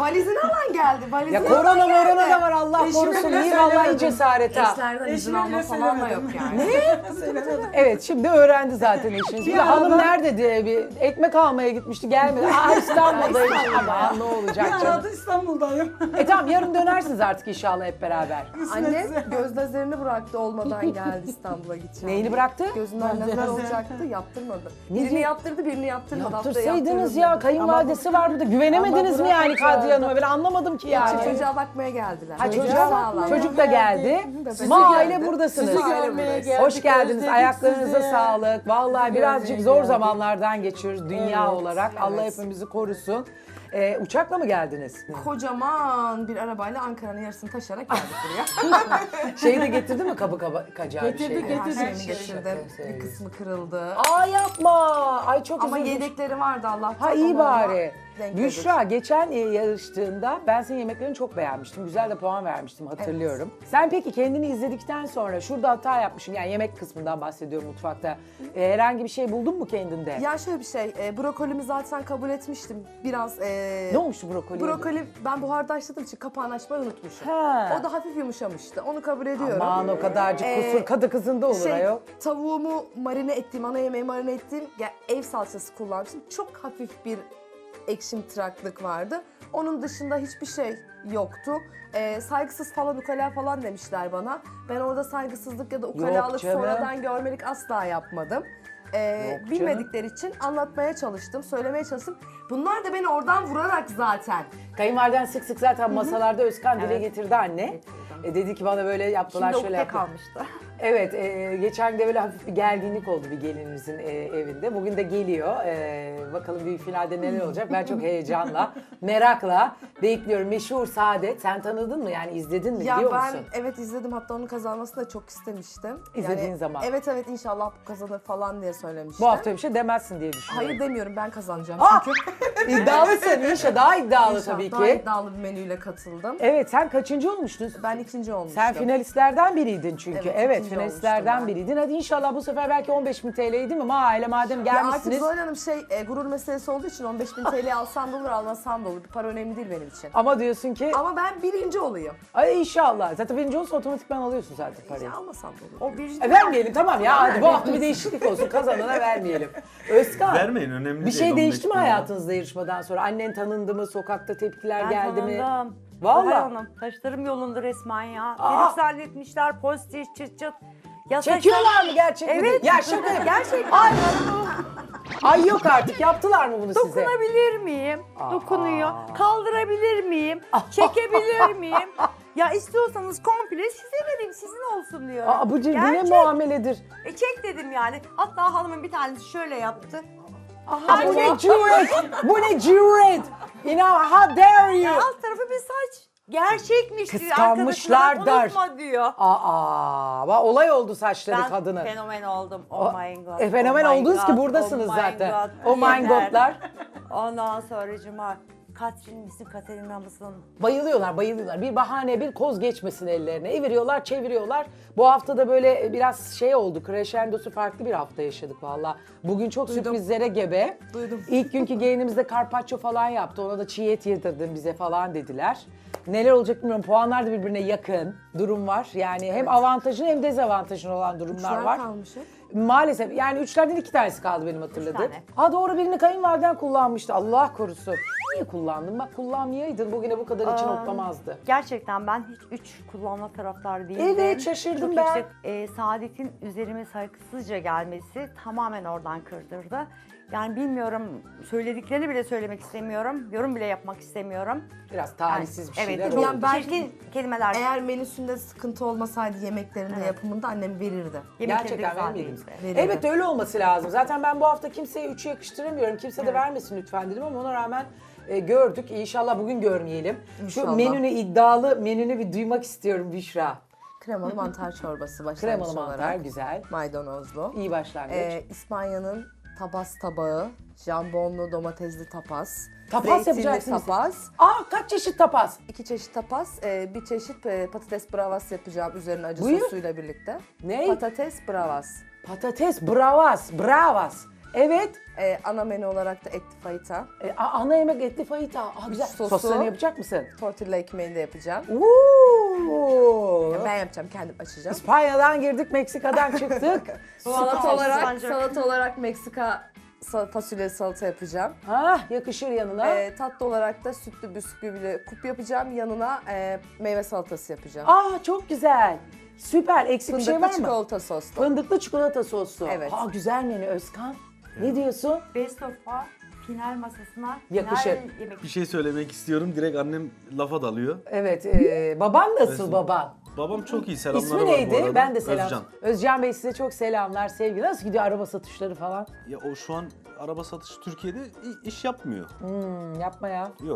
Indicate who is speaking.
Speaker 1: valizini alan geldi. Valizini
Speaker 2: Ya
Speaker 1: alan
Speaker 2: korona
Speaker 1: geldi.
Speaker 2: morona da var Allah korusun.
Speaker 3: bile
Speaker 2: İyi vallahi
Speaker 3: söylemedim.
Speaker 2: cesaret ha.
Speaker 1: Eşlerden izin
Speaker 3: Eşime
Speaker 1: alma
Speaker 3: bile
Speaker 1: falan da yok
Speaker 3: söylemedim.
Speaker 1: yani.
Speaker 3: Söylemedim.
Speaker 2: Evet şimdi öğrendi zaten eşiniz. Bir de
Speaker 3: Ya
Speaker 2: hanım
Speaker 3: ben-
Speaker 2: nerede diye bir ekmek almaya gitmişti gelmedi. Aa İstanbul'dayım. Ama ne olacak
Speaker 3: Bir
Speaker 2: canım.
Speaker 3: arada İstanbul'dayım.
Speaker 2: Tamam yarın dönersiniz artık inşallah hep beraber.
Speaker 1: Annem göz lazerini bıraktı olmadan geldi İstanbul'a gideceğim.
Speaker 2: Neyini bıraktı?
Speaker 1: Gözünden lazer
Speaker 3: Lazer.
Speaker 1: olacaktı, yaptırmadı.
Speaker 2: Ne
Speaker 1: Birini
Speaker 2: diyor?
Speaker 1: yaptırdı, birini yaptırmadı. Haftaya
Speaker 2: Yaptırsaydınız
Speaker 1: yaptırırım
Speaker 2: ya
Speaker 1: dedi.
Speaker 2: kayınvalidesi var burada. Güvenemediniz mi
Speaker 1: Ama
Speaker 2: yani
Speaker 1: bırakmadı.
Speaker 2: Kadriye Hanım'a? Ben anlamadım ki
Speaker 1: Ama
Speaker 2: yani.
Speaker 1: çocuğa bakmaya geldiler.
Speaker 2: Ha çocuğa
Speaker 1: Sağlam.
Speaker 2: bak. Çocuk da geldi.
Speaker 1: Sizi
Speaker 2: Ma aile
Speaker 1: geldi.
Speaker 2: buradasınız.
Speaker 3: Sizi
Speaker 1: Aile
Speaker 3: görmeye
Speaker 1: buradayız.
Speaker 3: geldik.
Speaker 2: Hoş geldiniz.
Speaker 3: özledik
Speaker 2: Ayaklarınıza
Speaker 3: sizi.
Speaker 2: sağlık. Vallahi
Speaker 3: Sizi
Speaker 2: birazcık
Speaker 3: görmeye
Speaker 2: zor
Speaker 3: geldik.
Speaker 2: zamanlardan geçiyoruz dünya
Speaker 3: Evet,
Speaker 2: olarak. Allah hepimizi korusun. Uçakla mı geldiniz?
Speaker 1: Kocaman bir arabayla Ankara'nın yarısını taşıyarak geldik buraya.
Speaker 2: Şeyi de getirdi mi kabı kacağı bir
Speaker 3: Getirdi,
Speaker 2: şey?
Speaker 3: getirdi.
Speaker 1: Her şeyini
Speaker 3: Her
Speaker 1: getirdim.
Speaker 2: şey.
Speaker 1: Bir kısmı kırıldı.
Speaker 2: Aa yapma. Ay çok
Speaker 1: Ama
Speaker 2: üzüldüm.
Speaker 1: yedekleri vardı Allah'tan.
Speaker 2: Ha iyi
Speaker 1: Ona
Speaker 2: bari.
Speaker 1: denk
Speaker 2: Büşra geçen yarıştığında ben senin yemeklerini çok beğenmiştim. Güzel de puan vermiştim hatırlıyorum. Sen peki kendini izledikten sonra şurada hata yapmışsın. Yani yemek kısmından bahsediyorum mutfakta. Herhangi bir şey buldun mu kendinde?
Speaker 1: Ya şöyle bir şey, brokolimi zaten kabul etmiştim. Biraz
Speaker 2: Ne olmuştu brokoli?
Speaker 1: brokoli ben buharda haşladığım için kapağını açmayı unutmuşum.
Speaker 2: Ha.
Speaker 1: O da hafif yumuşamıştı. Onu kabul ediyorum.
Speaker 2: Aman o kadarcık kusur kadı kızında olur ayol.
Speaker 1: Tavuğumu marine ettiğim, ana yemeği marine ettiğim ev salçası kullanmıştım. Çok hafif bir ekşimtıraklık vardı. Onun dışında hiçbir şey yoktu. Saygısız falan, ukala falan demişler bana. Ben orada saygısızlık ya da ukalalık
Speaker 2: canım.
Speaker 1: sonradan görmelik asla yapmadım.
Speaker 2: Yok
Speaker 1: Bilmedikleri için anlatmaya çalıştım, söylemeye çalıştım. Bunlar da beni oradan vurarak zaten.
Speaker 2: Kayınvaliden sık sık zaten masalarda Özkan dile getirdi anne. Dedi ki bana böyle yaptılar
Speaker 4: Şimdi
Speaker 2: şöyle
Speaker 4: ukde
Speaker 2: yaptılar.
Speaker 4: kalmıştı.
Speaker 2: Evet, geçen de böyle hafif bir gerginlik oldu bir gelinimizin evinde. Bugün de geliyor. Bakalım büyük finalde neler olacak. Ben çok heyecanla, merakla bekliyorum. Meşhur Saadet. Sen tanıdın mı? Yani izledin mi?
Speaker 1: Ya
Speaker 2: Biliyor
Speaker 1: ben
Speaker 2: musun?
Speaker 1: evet izledim, hatta onun kazanmasını da çok istemiştim.
Speaker 2: İzlediğin zaman.
Speaker 1: Evet inşallah bu kazanır falan diye söylemiştim.
Speaker 2: Bu hafta bir şey demezsin diye düşünüyorum.
Speaker 1: Hayır demiyorum, ben kazanacağım
Speaker 2: Ah!
Speaker 1: çünkü.
Speaker 2: İddialısın İnşa. Daha iddialı
Speaker 1: İnşallah
Speaker 2: tabii
Speaker 1: daha
Speaker 2: ki.
Speaker 1: iddialı bir menüyle katıldım.
Speaker 2: Evet, sen kaçıncı olmuştun?
Speaker 1: Ben ikinci olmuştum.
Speaker 2: Sen finalistlerden biriydin çünkü.
Speaker 1: Evet,
Speaker 2: Evet,
Speaker 1: ikinci
Speaker 2: finalistlerden
Speaker 1: olmuştum ben.
Speaker 2: biriydin. Hadi inşallah bu sefer belki 15.000 TL'ydi değil mi? Aile madem
Speaker 1: Ya artık
Speaker 2: gelmişsiniz.
Speaker 1: Zuhal Hanım gurur meselesi olduğu için 15.000 TL alsam da olur, almasam da olur. Bir para önemli değil benim için.
Speaker 2: Ama diyorsun ki
Speaker 1: Ama ben birinci olayım.
Speaker 2: ay inşallah. Zaten birinci olursa otomatikman alıyorsun zaten parayı.
Speaker 1: Ya almasam da olur.
Speaker 4: O bir
Speaker 2: Vermeyelim tamam ya. Hadi bu hafta bir değişiklik olsun. Kazanana vermeyelim. Özkan.
Speaker 5: Vermeyin, önemli
Speaker 2: Bir
Speaker 5: değil,
Speaker 2: şey
Speaker 5: 15
Speaker 2: değişti mi
Speaker 5: bin lira.
Speaker 2: hayatınızda yarışmadan sonra? Annen tanındı mı? Sokakta tepkiler
Speaker 4: ben
Speaker 2: geldi mi?
Speaker 4: tanındım.
Speaker 2: Vallahi.
Speaker 4: Zuhal Hanım, taşlarım yolunda resmen ya.
Speaker 2: Aa!
Speaker 4: Herif zannetmişler pozitif çıt çıt. Ya
Speaker 2: Çekiyorlar mı gerçekten?
Speaker 4: Evet.
Speaker 2: Ya şaka yapıyorum.
Speaker 4: Gerçekten.
Speaker 2: Ay, ay yok artık. Yaptılar mı bunu size?
Speaker 4: Dokunabilir miyim?
Speaker 2: Aa.
Speaker 4: Dokunuyor. Kaldırabilir miyim? Çekebilir miyim? Ya istiyorsanız komple size vereyim, sizin olsun diyor.
Speaker 2: Aa, bu ne
Speaker 4: Gerçek.
Speaker 2: muameledir?
Speaker 4: Çek dedim yani. Hatta hanımın bir tanesi şöyle yaptı.
Speaker 2: Aa, bu ne cüret? Bu ne cüret? You know, how dare you?
Speaker 4: Alt tarafı bir saç. Gerçekmiş diyor.
Speaker 2: Kıskanmışlar
Speaker 4: Arkadaşına
Speaker 2: der.
Speaker 4: unutma diyor.
Speaker 2: Olay oldu saçları
Speaker 4: Ben
Speaker 2: kadının.
Speaker 4: fenomen oldum. Oh my god.
Speaker 2: Fenomen
Speaker 4: oh my
Speaker 2: oldunuz ki
Speaker 4: God,
Speaker 2: buradasınız
Speaker 4: oh my
Speaker 2: zaten.
Speaker 4: God.
Speaker 2: Oh my
Speaker 4: Yeter.
Speaker 2: godlar.
Speaker 4: Ondan sonracıma Katrin misin, Katerina mısın?
Speaker 2: Bayılıyorlar. Bir bahane, bir koz geçmesin ellerine. Eviriyorlar, çeviriyorlar. Bu hafta da böyle biraz şey oldu. Crescendo'su farklı bir hafta yaşadık valla. Bugün çok sürprizlere gebe.
Speaker 1: Duydum.
Speaker 2: İlk günkü gelinimizde carpaccio falan yaptı. Ona da çiğ et yedirdin bize falan dediler. Neler olacak bilmiyorum. Puanlar da birbirine yakın durum var. Yani hem avantajın hem dezavantajın olan durumlar
Speaker 1: Üçler
Speaker 2: var.
Speaker 1: kalmış hep.
Speaker 2: Maalesef yani 3'lerden 2 tanesi kaldı benim hatırladığım.
Speaker 4: tane.
Speaker 2: Ha doğru, birini kayınvaliden kullanmıştı. Allah korusun. Niye kullandın? Bak kullanmayaydın. Bugüne bu kadar için hoplamazdı.
Speaker 4: Gerçekten ben hiç 3 kullanma taraftarı değildim.
Speaker 2: Evet, şaşırdım
Speaker 4: Çok
Speaker 2: ben.
Speaker 4: yüksek. Saadet'in üzerime saygısızca gelmesi tamamen oradan kırdırdı. Yani bilmiyorum, söylediklerini bile söylemek istemiyorum. Yorum bile yapmak istemiyorum.
Speaker 2: Biraz talihsiz bir şeyler
Speaker 4: evet,
Speaker 2: oldu.
Speaker 1: Yani ben-
Speaker 4: çirkin kelimeler.
Speaker 1: Eğer menüsünde sıkıntı olmasaydı yemeklerinde, yapımında annem verirdi.
Speaker 4: Yemek
Speaker 2: Gerçekten
Speaker 4: yedik
Speaker 2: benim
Speaker 4: zaten
Speaker 2: yedim.
Speaker 4: işte.
Speaker 1: Verirdi.
Speaker 2: Evet öyle olması lazım. Zaten ben bu hafta kimseye 3'ü yakıştıramıyorum. Kimse de vermesin lütfen dedim ama ona rağmen gördük. İnşallah bugün görmeyelim. Şu
Speaker 1: İnşallah.
Speaker 2: iddialı menünü bir duymak istiyorum Büşra.
Speaker 1: Kremalı mantar çorbası başlangıç
Speaker 2: Kremalı
Speaker 1: olarak.
Speaker 2: mantar güzel.
Speaker 1: Maydanozlu.
Speaker 2: İyi başlangıç.
Speaker 1: İspanya'nın tabas tabağı, jambonlu domatesli tapas.
Speaker 2: Tapas
Speaker 1: zeytinli
Speaker 2: yapacaksınız.
Speaker 1: tapas.
Speaker 2: Kaç çeşit tapas?
Speaker 1: 2 çeşit tapas, bir çeşit patates bravas yapacağım üzerine acı
Speaker 2: Buyur.
Speaker 1: sosuyla birlikte.
Speaker 2: Ne?
Speaker 1: Patates bravas.
Speaker 2: Patates bravas. Evet.
Speaker 1: Ana menü olarak da etli fajita.
Speaker 2: Ana yemek etli fajita. Güzel.
Speaker 1: Sosu.
Speaker 2: Soslarını yapacak mısın?
Speaker 1: Tortilla ekmeğini de yapacağım.
Speaker 2: Oo.
Speaker 1: Ben yapacağım, kendim açacağım.
Speaker 2: İspanya'dan girdik, Meksika'dan çıktık.
Speaker 1: Salata olarak Meksika fasulye salata yapacağım.
Speaker 2: Yakışır yanına.
Speaker 1: Tatlı olarak da sütlü bisküvili kup yapacağım. Yanına meyve salatası yapacağım.
Speaker 2: Çok güzel. Süper. Eksik bir şey var
Speaker 1: Fındıklı
Speaker 2: mı?
Speaker 1: çikolata soslu.
Speaker 2: Fındıklı çikolata soslu.
Speaker 1: Evet.
Speaker 2: Güzel menü Özkan. Ne diyorsun?
Speaker 4: Best of'a final masasına
Speaker 2: Yakışır.
Speaker 4: final yemek.
Speaker 3: Bir şey söylemek istiyorum. Direkt annem lafa dalıyor.
Speaker 2: Evet. Baban nasıl baban?
Speaker 3: Babam çok iyi. Selamları
Speaker 2: İsmi
Speaker 3: var bu
Speaker 2: neydi?
Speaker 3: arada.
Speaker 2: Ben de selam.
Speaker 3: Özcan.
Speaker 2: Özcan Bey size çok selamlar, sevgiler. Nasıl gidiyor araba satışları falan?
Speaker 3: Ya o şu an araba satışı Türkiye'de iş yapmıyor.
Speaker 2: Yapma ya.
Speaker 3: Yok.